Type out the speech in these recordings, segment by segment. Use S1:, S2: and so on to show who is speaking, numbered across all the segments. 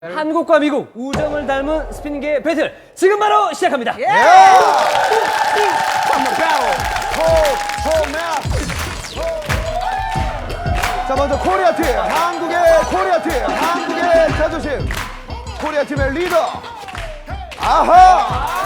S1: 한국과 미국 우정을 닮은 스피닝계 배틀 지금 바로 시작합니다.
S2: 자, 먼저 코리아 팀, 한국의 코리아 팀, 한국의 자존심, 코리아 팀의 리더. 아하!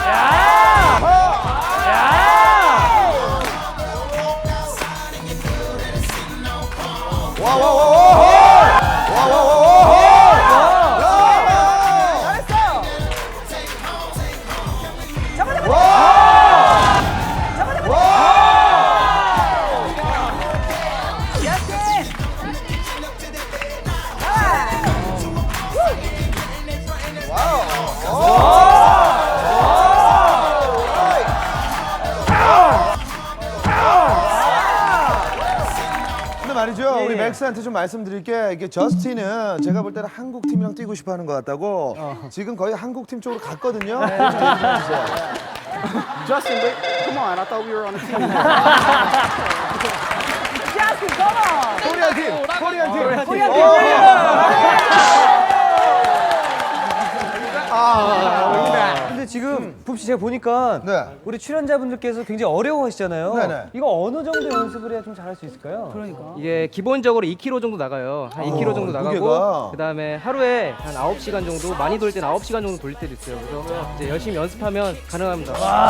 S2: 말이죠. 우리 맥스한테 좀 말씀드릴게. 이게 저스틴은 제가 볼 때는 한국 팀이랑 뛰고 싶어 하는 것 같다고. 지금 거의 한국 팀 쪽으로 갔거든요.
S3: Justin, wait, come on. I thought we were on a team.
S4: Justin, come on.
S2: 코리아 팀, 코리아 팀.
S4: 코리아 팀.
S1: 근데 지금 붐씨 제가 보니까
S2: 네.
S1: 우리 출연자분들께서 굉장히 어려워하시잖아요.
S2: 네네.
S1: 이거 어느 정도 연습을 해야 좀 잘할 수 있을까요?
S5: 이게 기본적으로 2km 정도 나가요. 한 2km 정도 나가고
S2: 무게가.
S5: 그다음에 하루에 한 9시간 정도, 많이 돌 때는 9시간 정도 돌릴 때도 있어요. 그래서 이제 열심히 연습하면 가능합니다.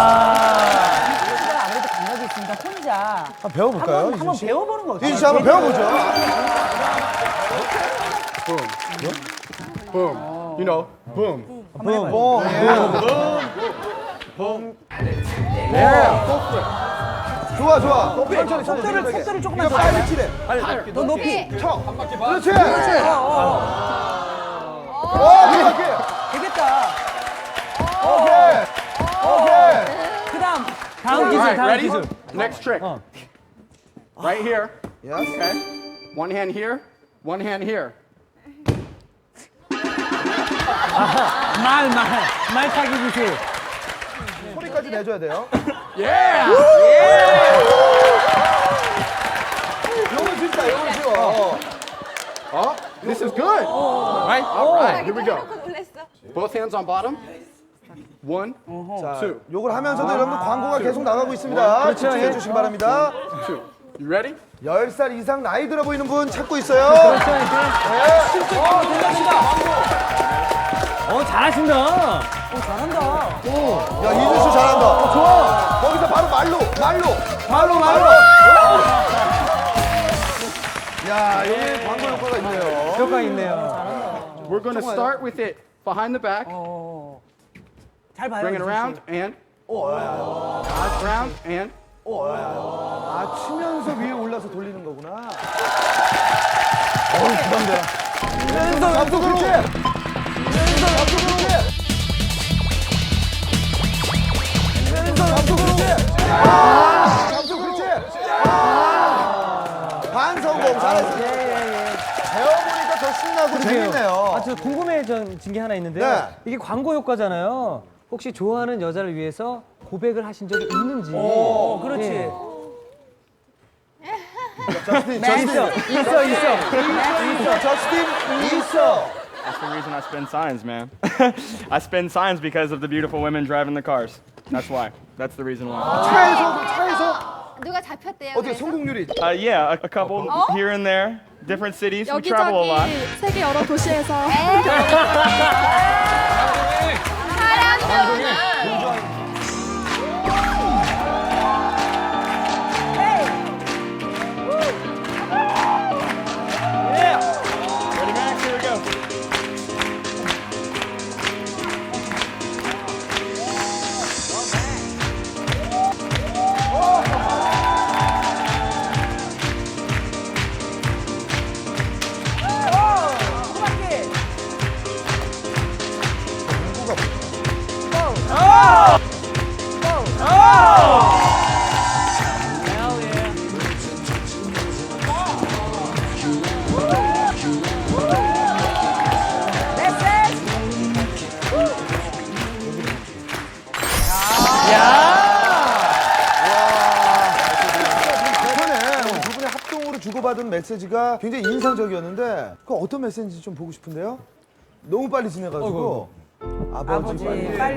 S4: 아무래도 감각이 있으니까 혼자
S2: 한번 배워볼까요?
S4: 한번 배워보는 거 어때요?
S2: 이준 씨 한번 배워보죠.
S3: Boom. You know, boom.
S2: 좋아, 좋아. 천천히,
S4: 속도를 조금만
S2: 이거
S4: 더
S2: 빨리 치래.
S4: 더 높이.
S2: 쳐. 그렇지. 오,
S4: 되겠다.
S2: 오케이. 오케이.
S4: 그다음
S1: 다음 기술,
S3: Alright,
S1: 다음
S3: ready?
S1: 기술.
S3: Next trick. Right here.
S2: Yes.
S3: Okay. One hand here. One hand here.
S1: 말타기 기술.
S2: 소리까지 내줘야 돼요.
S3: Yeah.
S2: 요건 진짜, 요건 쉬워.
S3: Oh, this is good. Right? All right. Here we go. Both hands on bottom. One, two,
S2: 요걸 하면서도 여러분들 광고가 계속 나가고 있습니다. 집중해 주시기 바랍니다.
S3: two. You ready?
S2: 10살 이상 나이 들어 보이는 분 찾고 있어요.
S1: 잘하신다.
S4: 잘한다.
S2: 야, 이준 씨 잘한다. 좋아. 거기서 바로 말로. 야, 여기 광고 효과가 있네요.
S1: 효과 있네요.
S3: We're going to start with it behind the back.
S4: 잘 봐요.
S3: Bring it around and around and
S2: 아, 치면서 위에 올라서 돌리는 거구나. 부담되라. 치면서 앞쪽으로. 치면서 앞쪽으로. 치면서 앞쪽으로. 앞쪽 그렇지. 반성공 잘했어. 배워보니까 더 신나고 재밌네요.
S1: 저 궁금해진 게 하나 있는데요.
S2: 네.
S1: 이게 광고 효과잖아요. 혹시 좋아하는 여자를 위해서 고백을 하신 적이 있는지.
S4: 그렇지.
S2: 저스틴. 저스틴 있어.
S6: That's the reason I spin signs, man. I spin signs because of the beautiful women driving the cars. That's why. That's the reason why.
S2: 차에서
S7: 누가 잡혔대요?
S2: 어떻게
S7: 그래서?
S2: 성공률이?
S6: Yeah, a couple here and there, different cities. We travel a lot.
S7: 여기저기 세계 여러 도시에서
S6: Ready, Max? Here we go.
S2: 주고받은 메시지가 굉장히 인상적이었는데 그 어떤 메시지인지 좀 보고 싶은데요? 너무 빨리 지내가지고 아버지
S4: 아버지 빨리